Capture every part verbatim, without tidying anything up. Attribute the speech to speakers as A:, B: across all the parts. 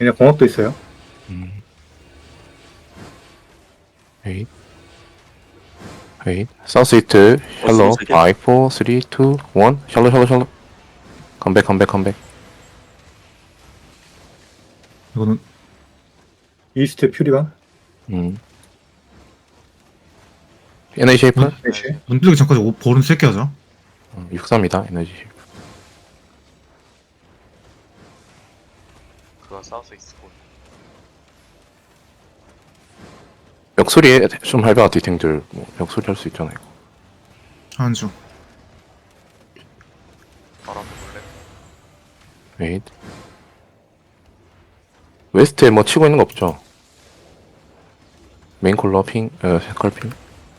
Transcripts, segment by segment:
A: 얘네 공업도 있어요.
B: 음. 웨이 웨이 사우스 이트 샬로
C: 어스로 세 개.
B: 오, 사, 삼, 이, 일 샬로 샬로 샬로 컴백 컴백 컴백
D: 이거는
A: 이스트 퓨리반.
B: 음. 에너지 쉐이프
D: 문,
A: 넷시.
D: 문 뚫기 전까지 오- 볼은 쓸게 하자.
B: 어, 육십삼이다 에너지 쉐이프
E: 그거 사우스 있고.
B: 멱소리에 좀 할배가 디탱들 뭐 멱소리 할 수 있잖아요.
D: 한 중.
E: 바로 한번 볼래?
B: 웨이 웨스트에 뭐 치고 있는 거 없죠? 메인 콜러 핑, 어, 색깔 핑.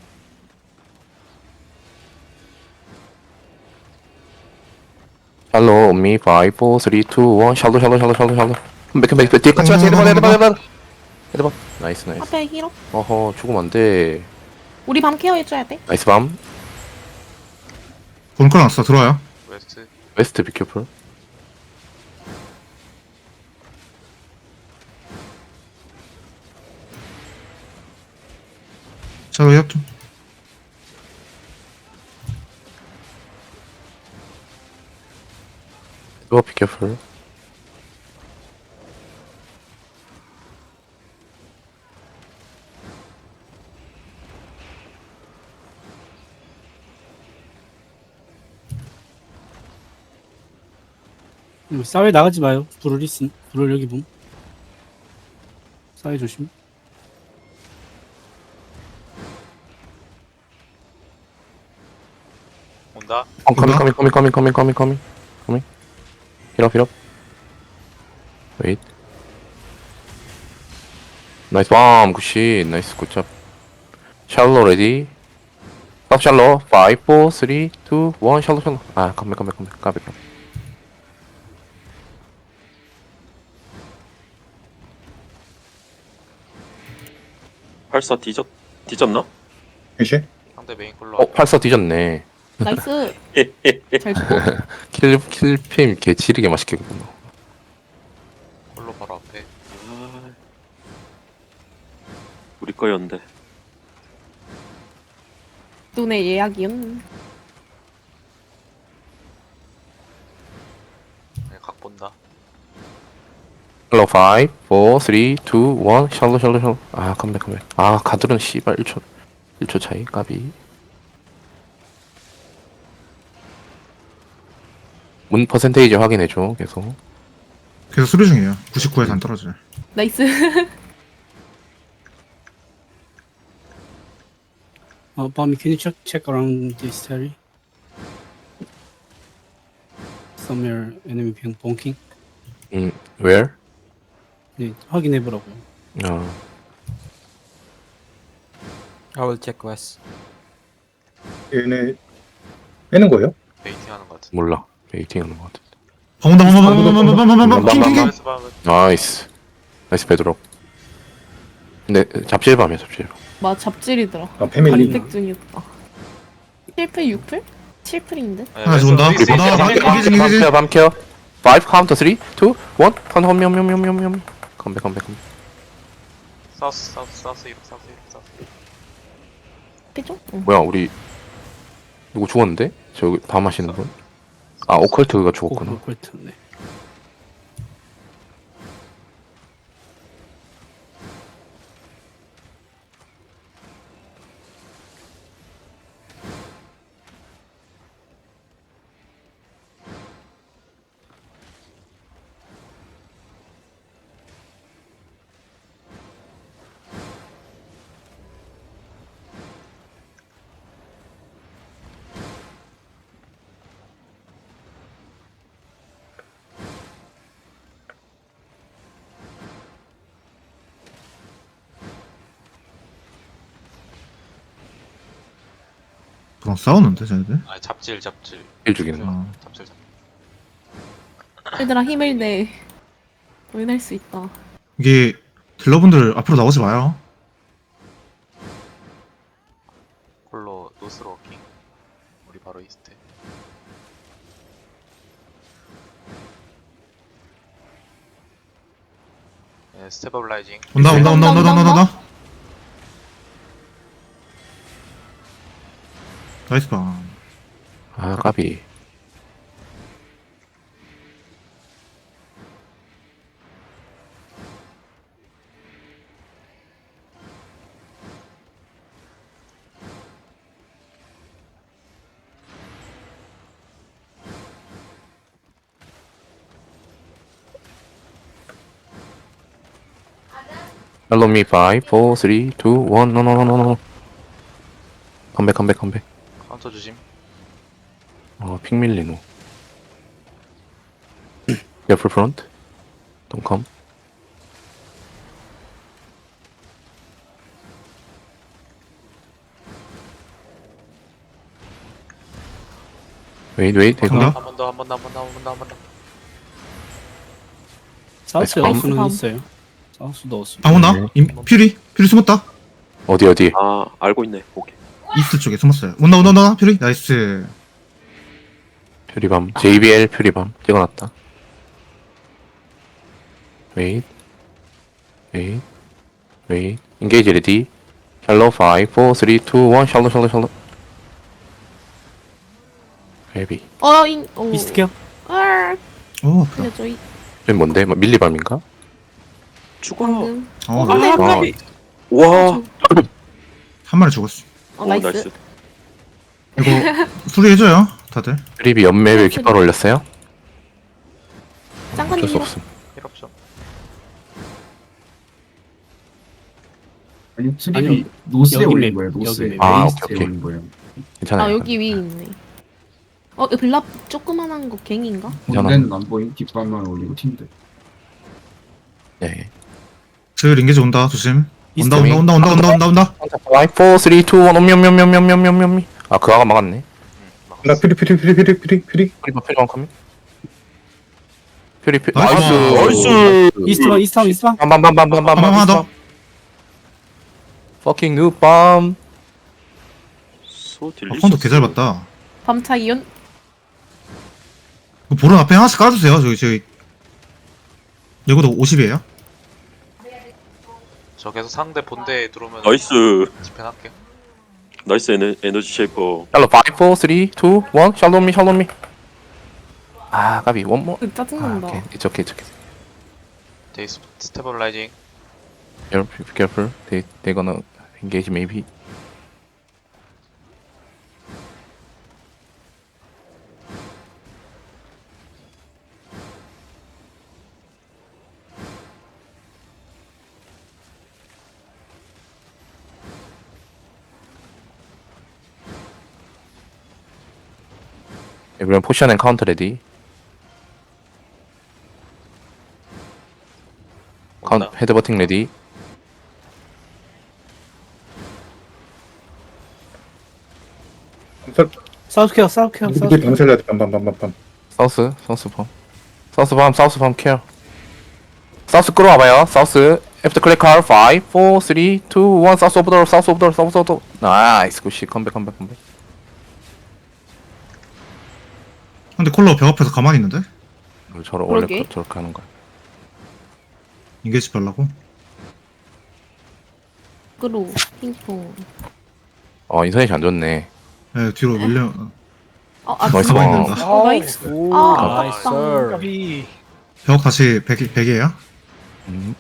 B: 샬로 온미 오, 사, 삼, 이, 일 샬로 샬로 샬로 샬로 샬로 컴백 컴백 뒤에 같이 같이 헤드번 헤드번 헤드번 헤드번 나이스 나이스
F: 앞에 히로.
B: 어허 죽으면 안돼
F: 우리 밤 케어해줘야 돼.
B: 나이스 밤
D: 볼 끌어놨어. 들어와요.
E: 웨스트.
B: 웨스트 비큐풀
D: 자, 왜 좀.
B: 이거 비큐풀
G: 음, 사회 나가지 마요. 불을 있음. 불을 여기 봄. 사회 조심.
E: 온다.
B: 어, 커밍 커밍 커밍 커밍 커밍 커밍 커밍 커밍 힐업 힐업 웨잇 나이스 밤 굿시 나이스 굿잡 샬로 레디 탑 샬로 오, 사, 삼, 이, 일 샬로 샬로 아 컴백 컴백 컴백 컴백
C: 팔사 뒤졌 뒤졌나?
A: 넷시.
E: 상대 메인 콜러.
B: 어 팔사 뒤졌네
F: 나이스. 잘 죽고.
B: 킬 킬핌 개 지르게 맛있게 굽노
E: 콜러 바로 앞에.
C: 아, 우리 거였는데.
F: 눈에 예약이음.
E: 네, 각 본다.
B: 샬로 오, 사, 삼, 이, 일 샬로 샬로 샬로 아 컴백 컴백 아 가드론 씨발 일 초 일 초 차이 까비 문 퍼센테이지 확인해줘 계속
D: 계속 수리 중이에요. 구십구에서 안 떨어져요.
F: 나이스.
G: 어, 밤이 can you check check around this area? Somewhere enemy being bonking.
B: 음 where?
G: 네, 확인해 보라고요.
B: 어
H: I will check west.
A: 얘네 빼는 거예요?
E: 베이팅 하는 것 같은데.
B: 몰라 베이팅 하는 거 같아
D: 방온다, 방온다, 방온다, 방온다, 방온다, 방온다, 킹, 킹, 킹.
E: 웨스트 밤은
B: 나이스 나이스 베드록 근데 잡지해밤이야 잡지해밤
F: 마 잡질이더라.
A: 아 패밀리.
F: 간택 중이었다. 칠 풀, 육 풀? 칠 풀인데?
D: 하나 죽은다.
E: 웨스트, 웨스트,
D: 나,
E: 웨스트,
D: 나,
E: 웨스트.
D: 이기지, 이기지.
B: 밤 케어 밤 케어 오 카운터 삼, 이, 일 턴 홈홈홈홈홈홈 컴백 컴백 컴백
E: 사우스 사우스 사우스 이륙 사우스 이륙 사우스 이륙.
F: 피죠? 응.
B: 뭐야 우리 누구 죽었는데? 저기 밤 하시는 분? 아 오컬트가 죽었구나
G: 오컬트네.
D: 그럼 싸우는데, 쟤네들?
E: 아 잡질 잡질.
B: 일 죽이는 거
D: 아.
E: 잡질 잡질.
F: 얘들아 힘을 내. 보인할 수 있다.
D: 이게, 딜러분들 앞으로 나오지 마요.
E: 콜러 노스로 워킹. 우리 바로 이스트. 예, 스테버라이징.
D: 온다 온다 온다 온다 온다 온다 온다. 나이스 밤.
B: 아 까비. Hello me five, four, three, two, one. No no no no no. 컴백 컴백 컴백.
E: 카운터 조심.
B: 어, 픽 밀리노. Careful front. Don't come. Wait, wait,
D: 간다.
B: 대가.
E: 한 번 더, 한 번 더, 한 번 더, 한 번 더, 한 번 더.
G: 사우스
B: 나이스
G: 여수는
F: 밤.
G: 있어요. 사우스 넣었어.
D: 방 온다. 임, 퓨리 퓨리 숨었다.
B: 어디, 어디?
C: 아 알고 있네. 오케이.
D: 이스트 쪽에 숨었어요. 온다 온다 온다 퓨리 나이스.
B: 퓨리밤. 제이비엘 퓨리밤. 찍어놨다. Wait. Wait. Wait. Engage ready. Shallow five, four, three, two, one. Shallow, shallow, shallow. Heavy.
F: 어, 인, 오.
G: 이스트 케어.
F: 아,
D: 오 아프다.
F: 근데 저희
B: 저기 뭔데? 뭐 밀리밤인가?
C: 죽어.
F: 방금.
D: 어,
F: 어, 네.
B: 아,
C: 와.
D: 한 마리 죽었어.
F: 어,
C: 오,
F: 나이스.
C: 나이스.
D: 이거 수리해줘요 다들.
B: 퓨리비 연맵을 깃발 올렸어요?
F: 짱가님
B: 어쩔 수
F: 이거
B: 없음.
E: 필요 없죠.
I: 아니 트립이
G: 아니요.
I: 노스에
G: 여기
I: 올린
G: 맵,
I: 거예요. 노스에
G: 여기 맵.
B: 아,
I: 웨이스트에
B: 오케이, 오케이.
I: 올린 거예요.
B: 괜찮아요.
F: 아 여기 위에 있네. 어, 이거 블랍 조그만한 거 갱인가?
B: 괜찮아.
I: 본대는 안 보임. 뒷발만 올리고 팀들.
B: 네.
D: 저 링게지 온다 조심.
G: 이스트
D: 온다 온다 온다 온다 온다 온다 온다.
B: five, four, three, two, one. 엄미, 엄미, 엄미, 엄미, 엄미, 엄미, 엄미. 아, 그 아가 막았네.
E: 응,
A: 나
E: 막았어.
A: 퓨리 퓨리 퓨리 퓨리 퓨리 퓨리.
B: 퓨리밤, 퓨리밤 커밍. 퓨리, 퓨리.
D: 나이스.
B: 나이스.
G: 이스트방 이스트방 이스트방.
B: 빰빰빰빰빰빰빰.
D: 한 번만 더.
B: Fucking noob bomb.
C: 소
D: 아,
C: 딜리.
D: 폰도 개잘 봤다.
F: 밤차 이온.
D: 그 보름 앞에 하나씩 깔아주세요. 저기 저기. 이거도 오십이에요?
E: 저 계속 상대 본대에 들어오면
C: 나이스.
E: 집행할게요.
C: 나이스 에너, 에너지 쉐이커.
B: 샬로 five, four, three, two, one. 샬로 미, 샬로 미. 아, 까비. one more.
F: 그
B: 아,
F: 짜증난다.
B: 오케이. It's okay, it's okay.
E: 데이 스- 스테버라이징.
B: Careful, be careful. They, they gonna engage maybe. Everyone push and counter ready. Count,
E: 온다.
B: 헤드버팅 ready.
G: 사우스 케어 사우스 케어 사우스
A: 이게
G: 케어.
A: 밤살려야 돼. 밤밤밤밤밤.
B: 사우스, 사우스 펌. 사우스 펌, 사우스 펌 케어. 사우스 끌어와봐요. 사우스. After click car. five, four, three, two, one. 사우스 오브 더, 사우스 오브 더, 사우스 오브 더. 나이스, 굿시. 컴백, 컴백, 컴백.
D: 근데 콜러 벽 앞에서 가만히 있는데?
B: 저러 원래
F: 그러게.
B: 그- 저렇게 하는 거야.
D: 인게지 발라고?
F: 그로 핑퐁.
B: 어, 인터넷이 안 좋네.
D: 네 뒤로 밀려.
F: 어, 아,
B: 나이스
F: 진짜?
B: 방.
F: 어, 나이스.
H: 오,
F: 아,
H: 나이스.
F: 아깝다.
D: 벽 다시 백, 백이에요?
B: 음.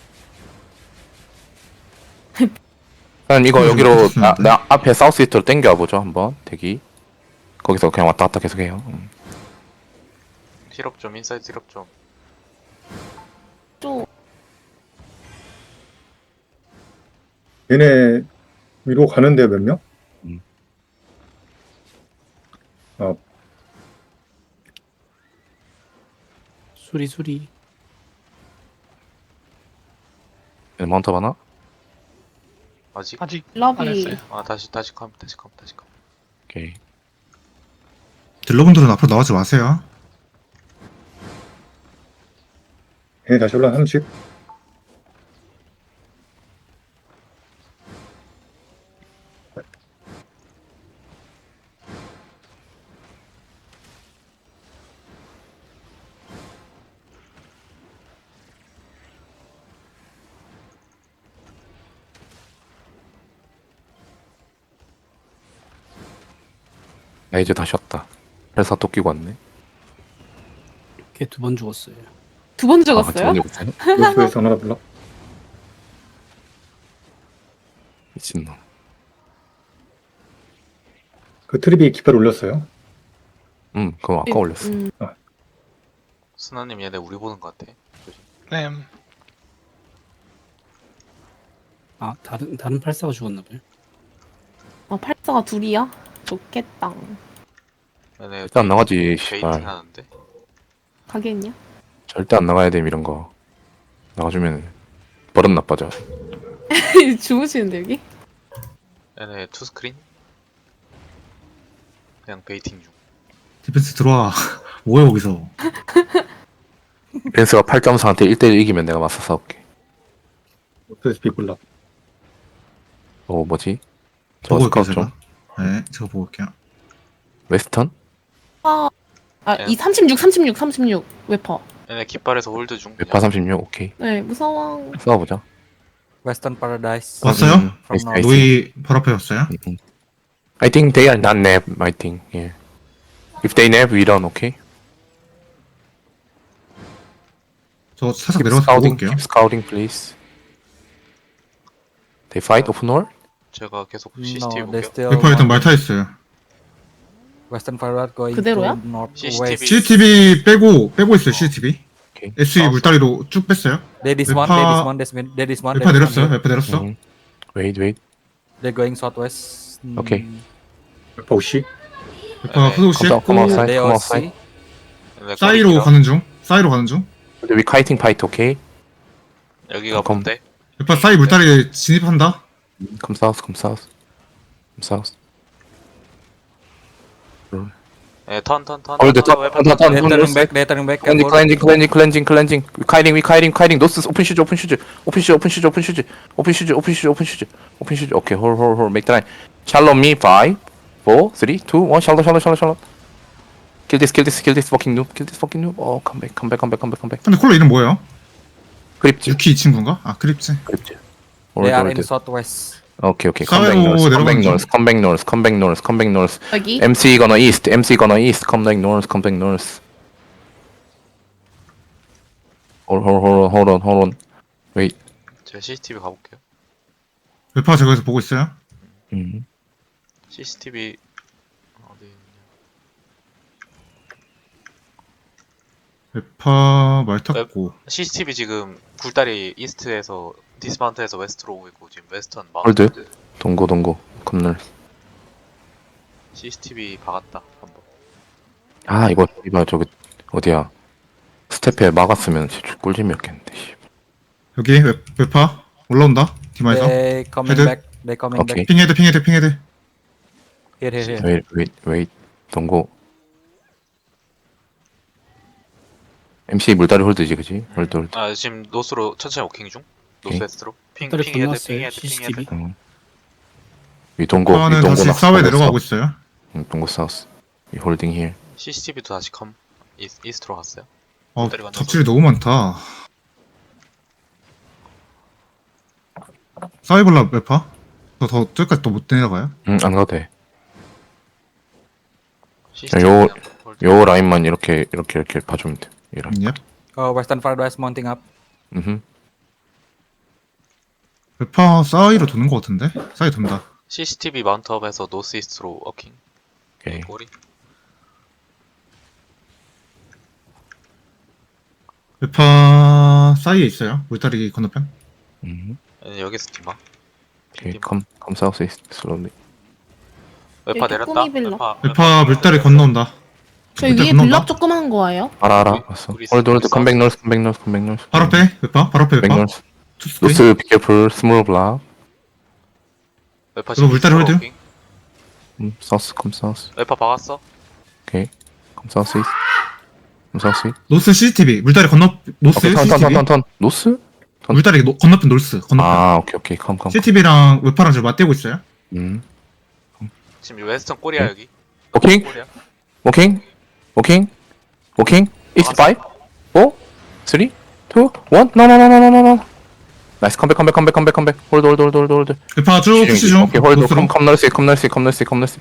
B: 그럼 이거
D: 음,
B: 여기로 나,
D: 좋습니다.
B: 나 앞에 사우스 이트로 땡겨와 보죠 한번 대기. 거기서 그냥 왔다 갔다 계속해요. 음.
E: 힐업 좀, 인사이드 힐업 좀.
F: 좀
A: 얘네 위로 가는데 몇 명?
B: 음.
A: 어,
G: 수리 수리.
B: 얘네 마운트 하나?
E: 아직?
G: 아직
F: 러비.
E: 아, 다시, 다시 컴, 다시 컴, 다시 컴.
B: 오케이.
D: 딜러분들은 앞으로 나오지 마세요.
A: 얘네 다시 올라 하나씩.
B: 아 이제 다시 왔다. 회사 또 끼고 왔네.
G: 걔 두 번 죽었어요.
F: 두 번
B: 아,
F: 죽었어요?
B: 저번에 못하네?
A: 노스에서 하나 불러.
B: 미친놈.
A: 그 트리비 깃발 올렸어요.
B: 음 그거 아까 올렸어.
F: 음,
E: 스나님 얘네 우리 보는 것 같아.
H: 램.
G: 아 다른 다른 팔사가 죽었나 봐요.
F: 아 팔자가 둘이야? 좋겠다.
E: 얘네
B: 일단 안 나가지.
E: 베이팅
B: 씨발.
E: 하는데.
F: 가겠냐?
B: 절대 안 나가야 돼 이런 거. 나가주면 버릇 나빠져.
F: 주무시는데 여기?
E: 얘네 투 스크린. 그냥 베이팅 중.
D: 디펜스 들어와. 뭐야 거기서.
B: 렌스가 팔 점 사한테 일 대일 이기면 내가 맞서 싸울게.
A: 노스에서 비굴라.
B: 어 뭐지? 저
D: 보고 올게요
B: 스카우트 좀.
D: 제가. 네, 제가 보고 올게요.
B: 웨스턴?
F: 아, 아,
E: 네.
F: 이 삼십육, 삼십육, 삼십육 웨퍼.
E: 얘네 깃발에서 홀드 중.
B: 웨파 삼십육 오케이.
F: 네, 무서워.
B: 싸워보자.
H: Western Paradise.
D: 왔어요?
B: 음,
H: From
B: 나이스,
H: now.
B: 나이스.
D: 노이 바로 앞에 왔어요?
B: 음, 음. I think they are not nap. I think. Yeah. If they nap, we run. Okay.
D: 저 살짝
B: Keep
D: 내려가서 보고
B: scouting.
D: 올게요.
B: Keep scouting, please. They fight open wall.
E: 제가 계속
H: No,
E: 씨씨티비
H: they
E: 볼게요.
H: still.
D: 웨파 일단
H: want
D: 말타 있어요.
H: Western Paradise going
F: 그대로야?
H: to northwest.
E: 씨씨티비.
D: 씨씨티비 빼고 빼고 있어요. 씨씨티비.
B: 오케이.
D: 에스이 물다리로 쭉 뺐어요.
H: There is one.
D: 웨파-
H: There is one. There is one. There is one.
D: 웨파
H: there is
D: 내렸어요.
H: one here.
D: 웨파 내렸어.
B: 음. Wait, wait.
H: They're going southwest. Mm,
B: Okay.
A: 웨파 오씨.
D: 웨파
E: 네.
D: 후속
B: Come out, come
D: 씻고
B: outside.
H: They
B: Come
H: all
B: outside.
H: see.
E: 얘네
D: 사이로
E: 꼬리기라.
D: 가는 중. 사이로 가는 중.
B: But we kiting fight. Okay.
E: 여기가
B: come.
E: 뭔데?
D: 웨파 사이 물다리에 진입한다.
B: Come south. Come south. Come south.
E: 예, 턴, 턴, 턴.
B: Hold the
E: 턴,
B: top.
E: 웨폰
B: Hold the top.
H: They're turning back. They're turning back.
B: Cleansing,
H: Careful.
B: cleansing, cleansing, cleansing, cleansing. We kiting, we kiting, kiting. No스 open shoes, open shoes, open shoes, open shoes, open shoes, open shoes, open shoes, open shoes, open shoes. Okay, hold, hold, hold. Make the line. Shallow me. Five, four, three, two, one. Shallow, shallow, shallow, shallow. Kill this, kill this, kill this fucking noob. Kill this fucking noob. Oh, come back, come back, come back, come back, come back.
D: 근데 콜러 이름 뭐예요?
B: 크립지,
D: 유키 이 친구인가? 아 크립지.
B: 크립지.
H: They
B: 홀드,
H: are in
B: 홀드.
H: southwest.
B: Okay, okay.
D: 사회로
B: Come back north, come back
D: 내려가는
B: north, come back north, come back north, come back north.
F: 여기?
B: MC gonna east, MC gonna east. Come back north, come back north. Hold, hold, hold on, hold on, hold on. Wait.
E: 제가 씨씨티비 가볼게요.
D: 웨파 제가 여기서 보고 있어요.
B: 음.
E: 씨씨티비 어디 있냐?
D: 웨파 말 탔고.
E: 씨씨티비 지금 굴다리 이스트에서 디스마운트에서 웨스트로 오고 있고 지금 웨스턴
B: 홀드.
E: 마운트.
B: 동고, 동고. 컴널.
E: 씨씨티비 박았다 한번.
B: 아, 이거 이봐 저기 어디야? 스텝에 막았으면 진짜 꿀잼이었겠는데. 씨.
D: 여기 웨, 웨파 올라온다. 디마에서.
H: They coming
D: Headed.
H: back. They coming
B: 오케이.
H: back.
D: 핑헤드 핑헤드 핑헤드.
H: Here, here, here.
B: 웨이, 웨이, 웨이. 동고. 엠씨 물다리 홀드지, 그지? 홀드, 홀드.
E: 아 지금 노스로 천천히 워킹 중. 노스
B: 오케이.
E: 웨스트로. 핑
G: 물다리
E: 핑헤드
G: 건넜어요,
E: 핑헤드
G: 씨씨티비.
E: 핑헤드.
B: 응. 위 동고, 위
D: 웨파는
B: 동고
D: 다시
B: 나-
D: 사회
B: 동고
D: 내려가고
B: 사우스.
D: 있어요.
B: 응, 동고 사우스. 위 홀딩 힐.
E: 씨씨티비도 다시 컴 이스, 이스트로 갔어요.
D: 어
E: 물다리 건너서.
D: 잡질이 너무 많다. 사이볼라 웨파? 저더 저기까지 또 못 내려가요?
B: 응, 안 가도 돼.
E: 씨씨티비
B: 요-
E: 그냥 홀드.
B: 요 라인만 이렇게, 이렇게, 이렇게 봐주면 돼. 이 라인.
D: 예.
H: Oh, Western Paradise mounting up.
B: 음.
D: 웨파 사이로 도는 것 같은데? 사이 돈다.
E: 씨씨티비 마운트업에서 노스 이스트로 워킹.
B: 오케이.
E: 꼬리.
D: 웨파 사이에 있어요. 물다리 건너편.
B: 음.
E: 얘는 여기서 디마.
B: 오케이.
E: 디마.
B: 컴, 컴 사우스 이스트 슬로리.
E: 웨파
F: 여기
E: 내렸다.
F: 꾸미빌라.
E: 웨파,
D: 웨파 물다리 건너온다.
F: 저희
D: 물다리
F: 위에
D: 건너온다.
F: 블럭 조그만 거예요?
B: 알아, 알아.
E: 우리-
B: 왔어.
E: 우리
B: 홀드, 홀드.
E: 사우스.
B: 컴백 노스, 컴백 노스, 컴백 노스.
D: 바로 앞에 웨파? 바로 앞에
B: 컴백
D: 웨파?
B: 노스.
D: 투스테이?
B: 노스, 비케풀, 스몰 블락.
E: 웨파
D: 이거 물다리
E: 이스트로
D: 홀드?
E: 워킹.
B: 음, 사우스, 컴 사우스.
E: 웨파 박았어.
B: 오케이. 컴 사우스 이스트. 컴 사우스 이스트.
D: 노스 씨씨티비. 물다리 건너 노스
B: 오케이, 턴, 턴,
D: 씨씨티비.
B: 턴, 턴, 턴. 노스? 턴.
D: 물다리 노, 건너편 노스. 건너편.
B: 아, 오케이, 오케이. 컴, 컴.
D: 씨씨티비랑 웨파랑 지금 맞대고 있어요.
B: 음.
E: 지금 웨스턴 꼬리야
B: 네.
E: 여기.
B: 오케이.
E: 꼬리야.
B: 워킹. 워킹. 워킹. 이스트 파이브. 사. 삼. 이. 일. 노노노노노노노. 나이스. 컴백, 컴백, 컴백, 컴백, 컴백. 홀드, 홀드, 홀드, 홀드, 홀드.
D: 웨파 쭉 푸시 중.
B: 오케이, 홀드.
D: 노스로.
B: 컴, 컴 널스, 컴 널스, 컴 널스, 컴 널스. 컴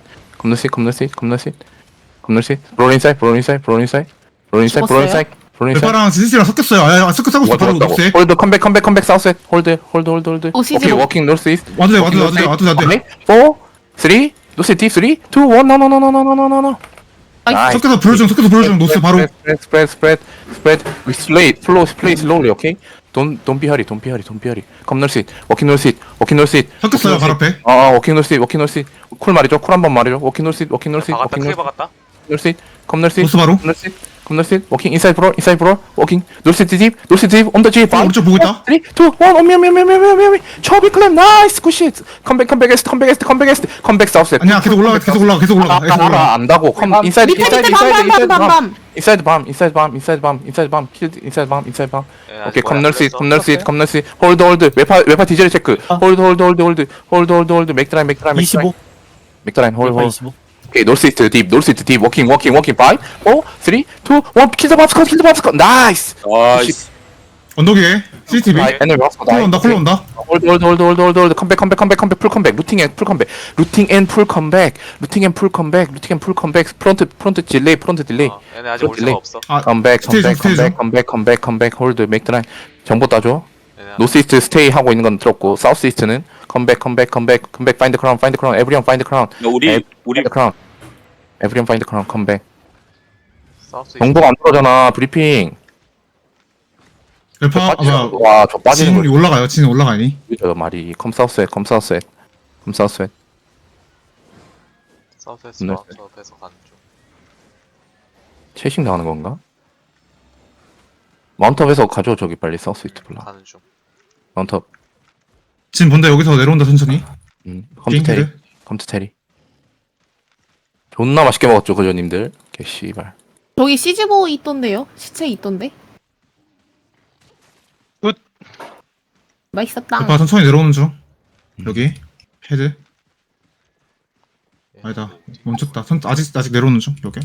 B: come north east, come north east, come north east, come north east. Roll inside, roll inside, roll inside, roll inside, roll inside, roll inside.
D: 레파랑 지지씨랑 섞였어요. 아, 아, 섞여 섞었어.
B: 뭐가
D: 바로
B: 들어왔다고?
D: 녹색.
B: 홀드 컴백 컴백 컴백 사우스 홀드 홀드 홀드 홀드
F: 오시지
B: 오케이
F: 마.
B: 워킹 노스 이스트
D: 와도 돼, 와도 돼, 와도 돼, 와도 돼, 와도 돼.
B: 포 쓰리 노스 딥 쓰리 투 원 노노노노노노노노 나이스
D: 섞여서 불 중, 섞여서 불 중. 노스 바로.
B: spread spread spread spread we slay flow play slowly okay don't don't be hurry don't be hurry don't be hurry come north east 워킹 north east 워킹 north east
D: 섞였어요, 바로 앞에.
B: 어 워킹 north east 워킹 north east 쿨 말이죠 쿨 한번 말이죠 워킹 north east 워킹 north east
E: 박았다.
B: 워킹
E: 크게
B: north
E: 박았다.
B: north east come north east
D: 노스 바로.
B: come north east come north east 워킹 inside bro inside bro 워킹 north east deep north east deep on the G
D: 어, 오른쪽 보고 있다.
B: 쓰리, 투, 원, 오미, 오미, 오미, 오미, 오미, 오미, 초비 클랩, 나이스, 굿shit. 컴백, 컴백, 에스트, 컴백, 에스트, 컴백, 에스트, 컴백, 사우스.
D: 아니야, 계속 올라가, 계속 올라가, 계속 올라가. 계속
B: 알아,
D: 올라가.
B: 안다고. 컴, 인사이드,
F: 밑에
B: 인사이드,
F: 밑에
B: 인사이드,
F: 밤밤밤밤밤.
B: 인사이드 밤, 인사이드 밤, 인사이드 밤, 인사이드 밤, 인사이드 밤, 인사이드 밤, 인사이드 밤.
E: 예,
B: 오케이,
E: 아직 머리 안
B: 컴널시,
E: 풀렸어.
B: 컴널시, 컴널시. 홀드, 홀드. 웨파, 웨파 디젤 체크.
G: 아.
B: 홀드, 홀드, 홀드, 홀드, 홀드, 홀드, 홀드. 맥드라인, 맥드라인,
G: 이십오.
B: 맥드라인, 홀드,
G: 레파
B: 홀드.
G: 이십오.
B: 오케이, 노스이스트 딥, 노스이스트 딥, 워킹, 워킹, 워킹. 파이브, 포, 쓰리, 투, 원. 킬더 밥스컷, 킬더 밥스컷. 나이스.
C: 나이스.
D: 언덕 위에. 씨씨티비.
B: 아, 에너지 밥스컷.
D: 콜로 온다, 콜로 온다.
B: 홀드 홀드 홀드 홀드 홀드 홀드 컴백 컴백 컴백 컴백 풀 컴백 루팅 앤풀 컴백 루팅 앤풀 컴백 루팅 앤풀 컴백 루팅 앤풀 컴백 프론트 프론트 딜레이 프론트 딜레이
E: 어, 얘네 아직 올
B: 딜레이.
E: 수가 없어.
D: 아,
B: 컴백
D: 스테이지,
B: 컴백
D: 스테이지.
B: 컴백 컴백 컴백 컴백 홀드 맥드라인 정보 따줘
E: 얘네
B: 노스이스트 스테이 하고 있는 건 들었고 사우스이스트는 컴백 컴백 컴백 컴백 파인드 크라운 파인드 크라운 에브리언 파인드 크라운
C: 야, 우리 우리
B: 파인드 크라운 에브리언 파인드 크라운 컴백
E: 사우스
B: 정보가 안 들어오잖아 브리핑
D: 레파, 아, 뭐야.
B: 와저 빠지는
D: 진
B: 거
D: 올라가요, 진 올라가니.
B: 저 말이 컴 사우스에 컴 사우스에 컴 사우스에
E: 사우스에서
B: 네.
E: 사우스에서 가는 중.
B: 채식 나가는 건가? 마운트업에서 가져 저기 빨리 사우스이스트 블라
E: 가는 중.
B: 마운트업
D: 진 본다, 여기서 내려온다, 천천히.
B: 음, 컴퓨 테리
D: 띵,
B: 컴퓨 테리 존나 맛있게 먹었죠 그저님들 개씨발
F: 저기 시즈보 있던데요? 시체 있던데?
E: 굿.
F: 맛있었다.
D: 레파 천천히 내려오는 중. 여기. 헤드. 아니다. 멈췄다. 선, 아직, 아직 내려오는 중, 여기.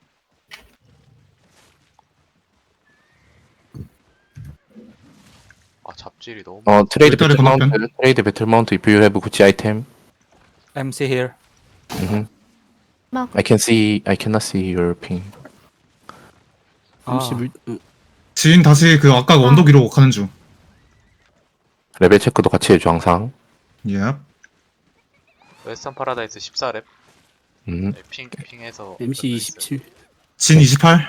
E: 아 잡질이 너무.
B: 어 트레이드
D: 일단은
B: 배틀 마운트
D: 건너편.
B: 트레이드 배틀 마운트 if you have 구찌 아이템
H: MC here.
B: 음흠.
F: 막.
B: I can see I cannot see your ping
H: 아,
G: 이십일. 어,
D: 진 다시 그 아까 그 언덕 위로 가는 중.
B: 레벨 체크도 같이 해줘 항상
D: 예.
E: 웨스턴 파라다이스 십사 렙.
B: 음.
E: 핑 핑해서.
G: 엠씨 이십칠.
D: 진 이십팔.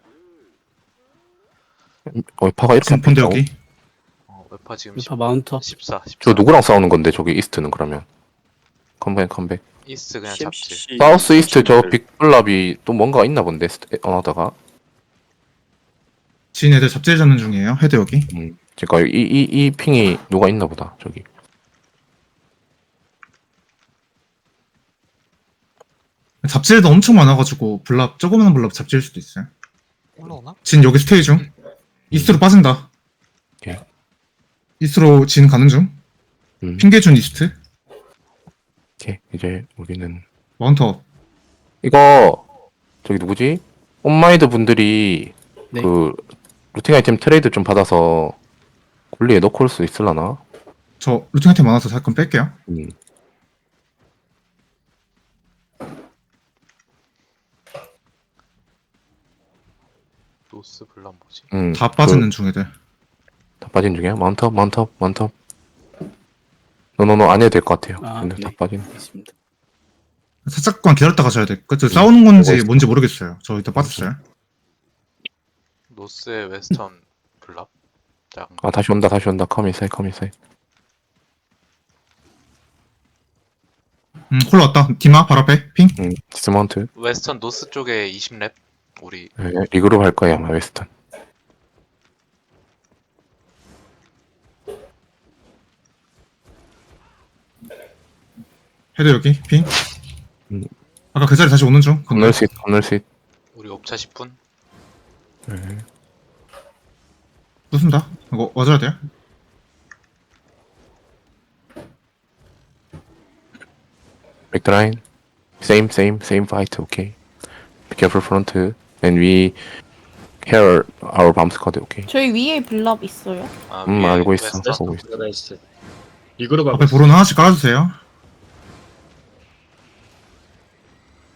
B: 어 파가 이렇게
D: 진 본데
B: 안 pis다고?
D: 여기.
E: 어, 웨파 지금
G: 레파 마운터.
E: 십사. 십사.
B: 저 누구랑 싸우는 건데 저기 이스트는 그러면 컴백 컴백
E: 이스트 그냥 잡질.
C: 씨엠씨
B: 사우스 이스트 저 빅블랍이 또 뭔가 있나 본데 어나다가
D: 진 애들 잡질 잡는 중이에요. 헤드 여기.
B: 음 그니까 이 이 이 핑이 누가 있나 보다 저기
D: 잡질도 엄청 많아가지고 블랍 조그마한 블랍 잡질 수도 있어요.
E: 올라오나?
D: 진 여기 스테이 중. 이스트로 빠진다.
B: 오케이.
D: 이스트로 진 가는 중.
B: 음
D: 핑계준 이스트.
B: 오케이 이제 우리는
D: 마운터.
B: 이거 저기 누구지? 온마이드 분들이
G: 네.
B: 그 루팅 아이템 트레이드 좀 받아서 굴리에 넣고 올 수 있을라나?
D: 저 루팅 아이템 많아서 잠깐 뺄게요.
B: 음.
E: 노스 블람 뭐지?
B: 음.
D: 다 빠지는 중 애들.
B: 다 빠진 중이야? 마운트업 마운트업 마운트업 노노노 안 해도 될 것 같아요.
G: 아,
B: 근데
G: 네.
B: 다 빠진
G: 있습니다.
D: 살짝만 기다렸다 가셔야 돼. 그쵸 싸우는 건지
B: 보고
D: 뭔지 모르겠어요. 저 일단 빠졌어요.
E: 노스의 웨스턴 블랍. 작은 거.
B: 아 다시 온다 다시 온다 컴인사이 컴인사이
D: 음 콜라 왔다. 디마 바로 앞에 핑.
B: 음 디스마운트
E: 웨스턴 노스 쪽에 이십 렙. 우리
B: 네, 리그룹 할 거야 아마 웨스턴
D: 헤드 여기 핑.
B: 음.
D: 아까 그 자리 다시 오는 중.
B: 건널 수 있, 건널 수 있.
E: 우리 옵차 십 분.
B: 네.
D: 부순다. 이거 와줘야 돼요.
B: 백드라인 same same same fight okay be careful front and we hear our bomb squad okay
F: 저희 위에 블랍 있어요.
E: 아,
B: 음
E: 위에
B: 알고 있어
E: 웨스턴.
B: 보고 있어
I: 나이스. 이거로 가고
D: 앞에 보로는 하나씩 깔아주세요.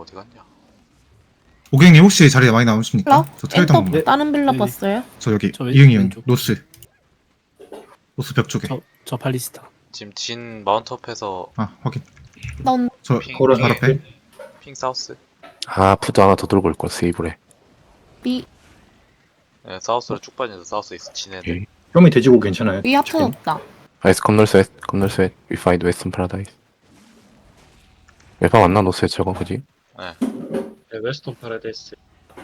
E: 어디 갔냐?
D: 오경님 혹시 자리에 많이 남으십니까?
F: 빌라?
D: 저 차일당
F: 엔터
D: 한번.
F: 다른 빌라
G: 네.
F: 봤어요?
D: 저 여기
G: 저 왼-
D: 이응이 형
G: 왼쪽.
D: 노스. 노스 벽 쪽에.
G: 저, 저 발리스타.
E: 지금 진 마운트업해서
D: 아 확인.
F: 난
D: 저
E: 핑,
A: 거울은
D: 바로
E: 핑,
D: 앞에.
E: 핑 사우스.
B: 아 푸드 하나 더 들고 올걸 세이브래.
F: 위,
E: 네, 사우스로 쭉 빠져서 사우스 있어 진애들.
B: 오케이.
A: 뼈이 돼지고 괜찮아요.
F: 위 하프
A: 지금.
F: 없다.
B: 아이스 컴널스 웨스트 컴널스 웨스트 We find Western Paradise. 웨파 맞나 노스에 저거 그지?
J: 네, 웨스턴 파라다이스.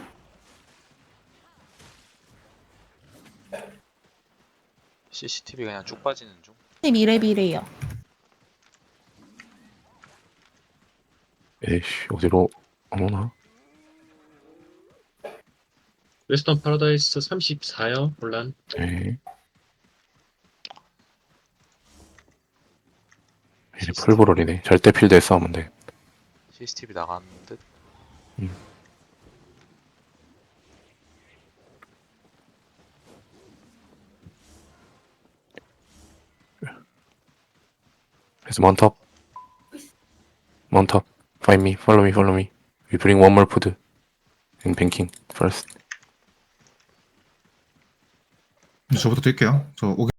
E: 씨씨티비 그냥 쭉 빠지는 중.
F: 십이 렙이래요.
B: 에이씨 어디로 어머나.
J: 웨스턴 파라다이스 삼십사요, 혼란.
B: 네. 이제 풀브롤이네. 절대 필드에 싸우면 돼.
E: 씨씨티비 나가는 듯.
B: 그래서 먼탑 먼탑 Find me, follow me, follow me. We bring one more food and banking first.
D: 저부터 뛸게요. 저 오경